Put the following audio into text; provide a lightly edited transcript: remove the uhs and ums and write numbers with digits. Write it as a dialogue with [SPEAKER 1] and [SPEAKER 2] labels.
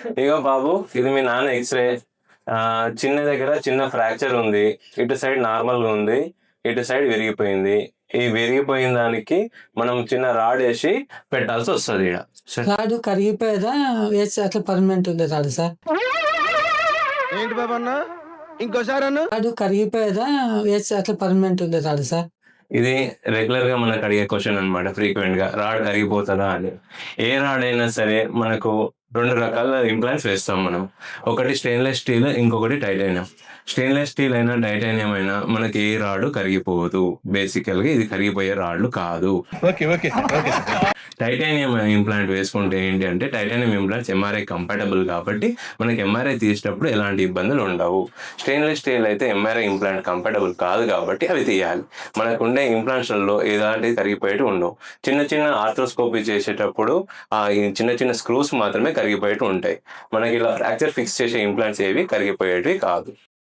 [SPEAKER 1] ఇగో బాబు, ఇది మీ నాన్న ఎక్స్‌రే. చిన్న దగ్గర చిన్న ఫ్రాక్చర్ ఉంది. ఇటు సైడ్ నార్మల్‌గా ఉంది. ఇటు సైడ్ విరిగిపోయింది. ఈ విరిగిపోయిన దానికి మనం చిన్న రాడేసి పెట్టాల్సొస్తది ఈడ.
[SPEAKER 2] రాడు కరిగిపోయేదా? వేసి అట్లా పర్మనెంట్ ఉండే రాడు సార్.
[SPEAKER 3] ఏంటి బాబు అన్న ఇంకోసారి అన్న
[SPEAKER 2] రాడు కరిగిపోయేదా? వేసి అట్లా పర్మనెంట్ ఉండే రాడు సార్.
[SPEAKER 1] ఇది రెగ్యులర్‌గా మనకు అడిగే క్వెషన్ అన్నమాట ఫ్రీక్వెంట్‌గా. రాడ్ కరిగిపోతదా అని. ఏ రాడ్ అయినా సరే మనకు 2 రకాల ఇంప్లాంట్స్ వేస్తాం మనం. ఒకటి స్టెయిన్‌లెస్ స్టీల్, ఇంకొకటి టైటానియం. స్టెయిన్‌లెస్ స్టీల్ అయినా, టైటానియం అయినా మనకి ఏ రాడ్ కరిగిపోదు. బేసికల్‌గా ఇది కరిగిపోయే రాడ్లు కాదు.
[SPEAKER 3] Okay okay okay
[SPEAKER 1] titanium implant వేసుకుంటే ఏంటి అంటే, టైటానియం ఇంప్లాంట్స్ ఎంఆర్ఐ కంపాటబుల్ కాబట్టి మనకి ఎంఆర్ఐ తీసేటప్పుడు ఎలాంటి ఇబ్బందులు ఉండవు. స్టెయిన్‌లెస్ స్టీల్ అయితే ఎంఆర్ఐ ఇంప్లాంట్ కంపాటబుల్ కాదు కాబట్టి అవి తీయాలి. మనకుండే ఇంప్లాంట్స్‌లలో ఎలాంటివి కరిగిపోయేటివి ఉండవు. చిన్న చిన్న ఆర్థ్రోస్కోపీ చేసేటప్పుడు ఈ చిన్న చిన్న స్క్రూస్ మాత్రమే కరిగిపోయేటివి ఉంటాయి. మనకి ఇలా ఫ్రాక్చర్ ఫిక్స్ చేసే ఇంప్లాంట్స్ ఏవి కరిగిపోయేటివి కాదు.